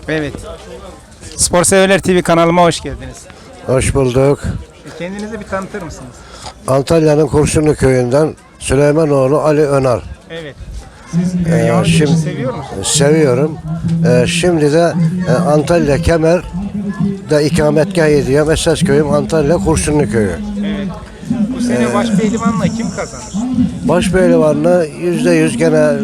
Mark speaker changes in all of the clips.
Speaker 1: Evet. Spor Severler TV kanalıma hoş geldiniz.
Speaker 2: Hoş bulduk.
Speaker 1: Kendinizi bir tanıtır mısınız?
Speaker 2: Antalya'nın Kurşunlu köyünden Süleymanoğlu Ali Önar.
Speaker 1: Evet. Siz yağlı güreşi seviyor musunuz?
Speaker 2: Seviyorum. Şimdi de Antalya Kemer'de ikametgah ediyorum. Esas köyüm Antalya Kurşunlu köyü.
Speaker 1: Evet. Bu sene baş pehlivanla kim kazanır?
Speaker 2: Başpehlivanlığı %100 gene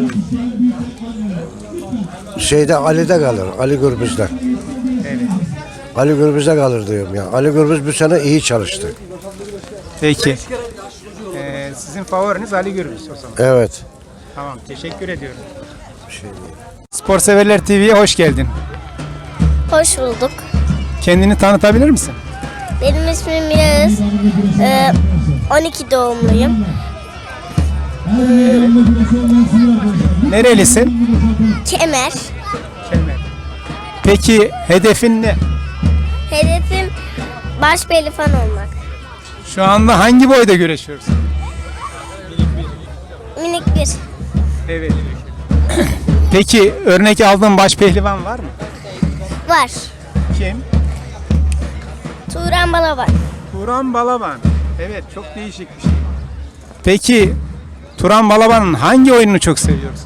Speaker 2: Ali'de kalır. Ali Gürbüz'de.
Speaker 1: Evet.
Speaker 2: Ali Gürbüz'de kalır diyorum ya. Ali Gürbüz bu sene iyi çalıştı.
Speaker 1: Peki. Sizin favoriniz Ali Gürbüz o zaman.
Speaker 2: Evet.
Speaker 1: Tamam, teşekkür ediyorum. Spor Severler TV'ye hoş geldin.
Speaker 3: Hoş bulduk.
Speaker 1: Kendini tanıtabilir misin?
Speaker 3: Benim ismim Yağız. 12 doğumluyum.
Speaker 1: Nerelisin?
Speaker 3: Kemer.
Speaker 1: Kemer. Peki hedefin ne?
Speaker 3: Hedefim baş pehlivan olmak.
Speaker 1: Şu anda hangi boyda güreşiyorsun?
Speaker 3: Minik bir.
Speaker 1: Evet. Peki örnek aldığın baş pehlivan var mı?
Speaker 3: Var.
Speaker 1: Kim?
Speaker 3: Turan Balaban.
Speaker 1: Turan Balaban. Evet, çok değişik bir şey. Peki Turan Balaban'ın hangi oyununu çok seviyorsun?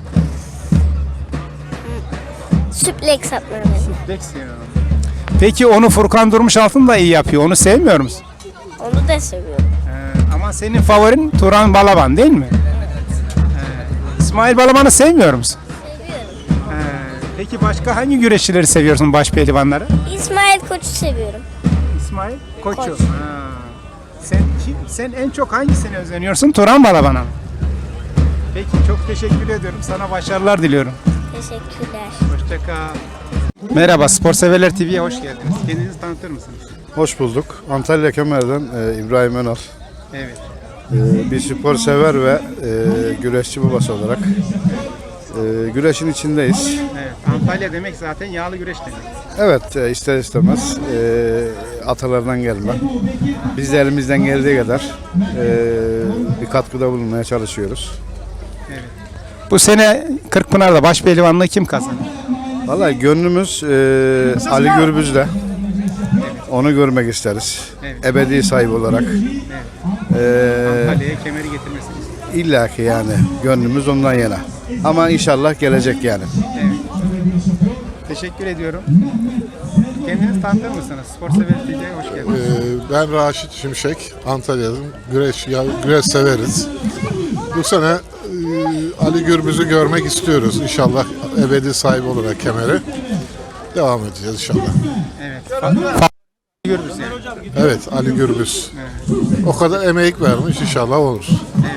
Speaker 3: Süpleks atma beni.
Speaker 1: Peki onu Furkan Durmuşaltın da iyi yapıyor. Onu sevmiyor musun?
Speaker 3: Onu da seviyorum.
Speaker 1: Ama senin favorin Turan Balaban değil mi? İsmail Balaban'ı sevmiyor musun?
Speaker 3: Seviyorum.
Speaker 1: Peki başka hangi güreşçileri seviyorsun, baş pehlivanları?
Speaker 3: İsmail Koç'u seviyorum.
Speaker 1: İsmail Koçu.
Speaker 3: Koç.
Speaker 1: Sen en çok hangisine özeniyorsun? Turan Balaban'a mı? Peki, çok teşekkür ediyorum. Sana başarılar diliyorum.
Speaker 3: Teşekkürler.
Speaker 1: Hoşça kal. Merhaba, Spor Severler TV'ye hoş geldiniz. Kendinizi tanıtır mısınız?
Speaker 4: Hoş bulduk. Antalya Kemer'den İbrahim Önal.
Speaker 1: Evet.
Speaker 4: Bir spor sever ve güreşçi babası olarak güreşin içindeyiz.
Speaker 1: Evet. Antalya demek zaten yağlı güreş demek.
Speaker 4: Evet, ister istemez atalardan gelme. Biz de elimizden geldiği kadar bir katkıda bulunmaya çalışıyoruz.
Speaker 1: Bu sene Kırkpınar'da baş pehlivanlığı kim kazanır?
Speaker 4: Vallahi gönlümüz Ali Gürbüz'de. Onu görmek isteriz.
Speaker 1: Evet.
Speaker 4: Ebedi sahibi olarak.
Speaker 1: Antalya'ya kemeri getirmesiniz.
Speaker 4: İlla ki yani gönlümüz ondan yana. Ama inşallah gelecek yani.
Speaker 1: Evet. Teşekkür ediyorum. Kendinizi tanıtır mısınız? Spor Sever TV'ye hoş geldiniz.
Speaker 5: Ben Raşit Şimşek, Antalya'dan güreş severiz. Bu sene Ali Gürbüz'ü görmek istiyoruz. İnşallah ebedi sahibi olarak kemeri. Devam edeceğiz inşallah.
Speaker 1: Evet. Gürbüz yani.
Speaker 5: Evet, Ali Gürbüz. O kadar emek vermiş, inşallah olur.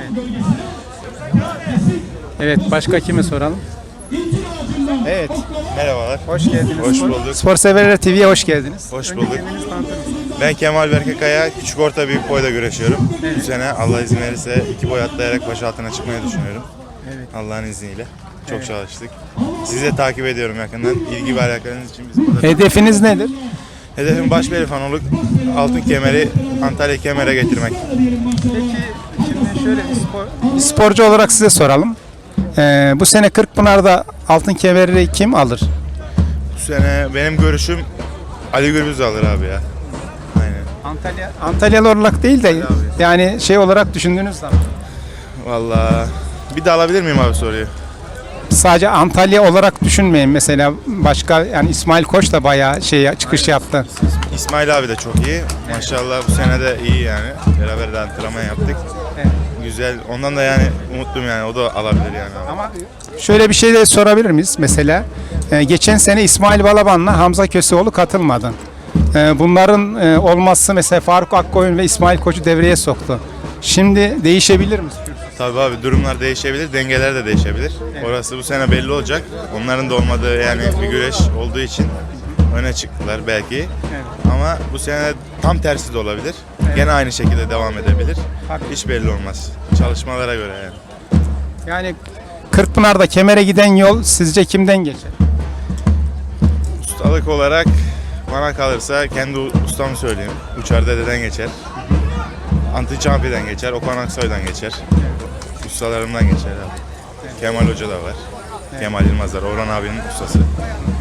Speaker 1: Evet, başka kime soralım? Evet,
Speaker 6: Merhabalar.
Speaker 1: hoş geldiniz.
Speaker 6: Hoş bulduk.
Speaker 1: Spor Severler TV'ye hoş geldiniz.
Speaker 6: Hoş
Speaker 1: Önce
Speaker 6: bulduk.
Speaker 1: kendinizi tanıtır mısınız?
Speaker 6: Ben Kemal Berkekaya, küçük orta büyük boyda güreşiyorum. Bu sene Allah izin verirse 2 boy atlayarak baş altına çıkmayı düşünüyorum.
Speaker 1: Evet.
Speaker 6: Allah'ın izniyle. Çok çalıştık. Sizi de takip ediyorum yakından. İlgi ve alakanız için biz burada.
Speaker 1: Hedefiniz nedir?
Speaker 6: Hedefim baş pehlivan olup altın kemeri Antalya Kemer'e getirmek.
Speaker 1: Peki, şimdi şöyle bir sporcu olarak size soralım. Bu sene Kırkpınar'da altın kemeri kim alır?
Speaker 6: Bu sene benim görüşüm Ali Gürbüz alır abi ya. Aynen.
Speaker 1: Antalyalı olarak değil de yani şey olarak düşündüğünüz zaman.
Speaker 6: Vallahi bir de alabilir miyim abi soruyu?
Speaker 1: Sadece Antalya olarak düşünmeyin, mesela başka, yani İsmail Koç da bayağı çıkış yaptı.
Speaker 6: İsmail abi de çok iyi. Maşallah bu sene de iyi yani. Beraber de antrenman yaptık.
Speaker 1: Evet.
Speaker 6: Güzel. Ondan da yani umutluyum yani. O da alabilir yani.
Speaker 1: Ama şöyle bir şey de sorabilir miyiz? Mesela geçen sene İsmail Balaban'la Hamza Köseoğlu katılmadı. Bunların olması mesela Faruk Akkoyun ve İsmail Koç'u devreye soktu. Şimdi değişebilir mi?
Speaker 6: Tabii abi durumlar değişebilir, dengeler de değişebilir. Orası bu sene belli olacak. Onların da olmadığı yani bir güreş olduğu için öne çıktılar belki. Ama bu sene tam tersi de olabilir. Gene aynı şekilde devam edebilir. Hiç belli olmaz. Çalışmalara göre yani.
Speaker 1: Yani Kırkpınar'da kemere giden yol sizce kimden geçer?
Speaker 6: Ustalık olarak bana kalırsa kendi ustamı söyleyeyim. Uçar Dede'den geçer. Anti Çampi'den geçer. Okan Aksoy'dan geçer. Ustalarımdan geçer abi. Kemal Hoca da var. Kemal Yılmazlar, Orhan abinin ustası.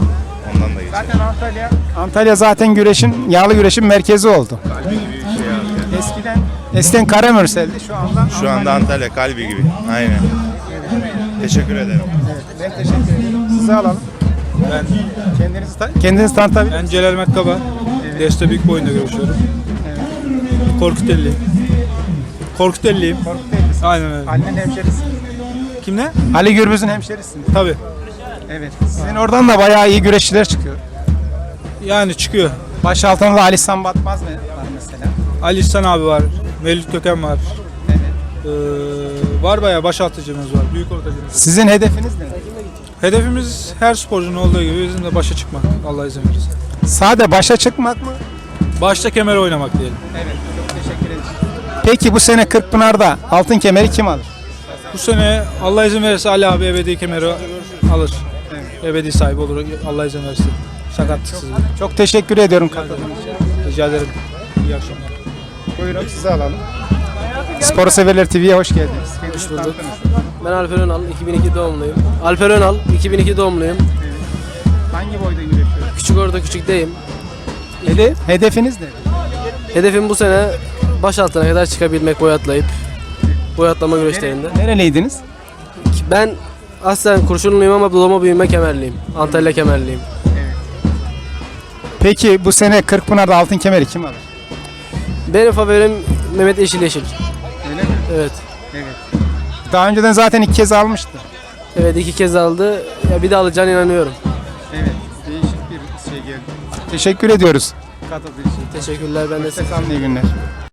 Speaker 6: Ondan da geçer.
Speaker 1: Zaten Antalya zaten yağlı güreşin merkezi oldu.
Speaker 6: Kalbi gibi bir şey abi.
Speaker 1: Eskiden Karamürsel'di, şu anda
Speaker 6: Antalya kalbi gibi. Aynen. Teşekkür ederim.
Speaker 1: Ben teşekkür ederim. Sizi alalım.
Speaker 7: Ben
Speaker 1: Kendinizi tanıtabilir misiniz?
Speaker 7: Celal Mekkaba. Deste büyük boyunda görüşüyorum. Korkutelliyim. Korkutelliyim. Aynen öyle.
Speaker 1: Ali'nin hemşerisi.
Speaker 7: Kim ne?
Speaker 1: Ali Gürbüz'ün hemşerisi.
Speaker 7: Tabii.
Speaker 1: Evet. Sizin oradan da bayağı iyi güreşçiler çıkıyor.
Speaker 7: Yani çıkıyor.
Speaker 1: Baş altında Ali San Batmaz mı var mesela?
Speaker 7: Ali İhsan abi var. Mevlüt Köken var. Var bayağı başaltıcımız var. Büyük ortacımız.
Speaker 1: Sizin hedefiniz ne?
Speaker 7: Hedefimiz her sporcunun olduğu gibi bizim de başa çıkmak. Allah izin verirse.
Speaker 1: Sade başa çıkmak mı?
Speaker 7: Başta kemer oynamak diyelim.
Speaker 1: Evet. Çok teşekkür ederim. Peki bu sene Kırkpınar'da altın kemeri kim alır?
Speaker 7: Bu sene Allah izin verirse Ali abi ebedi kemeri alır. Ebedi sahibi olur. Allah izin verirse. Sakatlıksız.
Speaker 1: Çok teşekkür ediyorum katıldığınız için.
Speaker 7: Rica ederim. İyi akşamlar.
Speaker 1: Buyurun sizi alalım. Spor Severler TV'ye hoş geldiniz.
Speaker 8: Hoş bulduk. Ben Alper Önal, 2002 doğumluyum. Alper Önal, 2002 doğumluyum.
Speaker 1: Hangi boyda yürüyorsunuz?
Speaker 8: Küçük orada küçükteyim.
Speaker 1: Hedefiniz ne?
Speaker 8: Hedefim bu sene baş altına kadar çıkabilmek boy atlayıp. Boy atlama güreşlerinde.
Speaker 1: Nereliydiniz?
Speaker 8: Ben aslen Kurşunluyum ama doğma büyüme Kemerliyim. Antalya Kemerliyim.
Speaker 1: Peki bu sene Kırkpınar'da altın kemeri kim alır?
Speaker 8: Benim favorim Mehmet Yeşil.
Speaker 1: Öyle mi?
Speaker 8: Evet.
Speaker 1: Evet. Daha önceden zaten 2 kez almıştı.
Speaker 8: Evet, 2 kez aldı. Ya bir de alacağına inanıyorum.
Speaker 1: Evet. Değişik bir şey geldi. Teşekkür ediyoruz. Katıldığınız için.
Speaker 8: Teşekkürler, ben de size.
Speaker 1: İyi günler.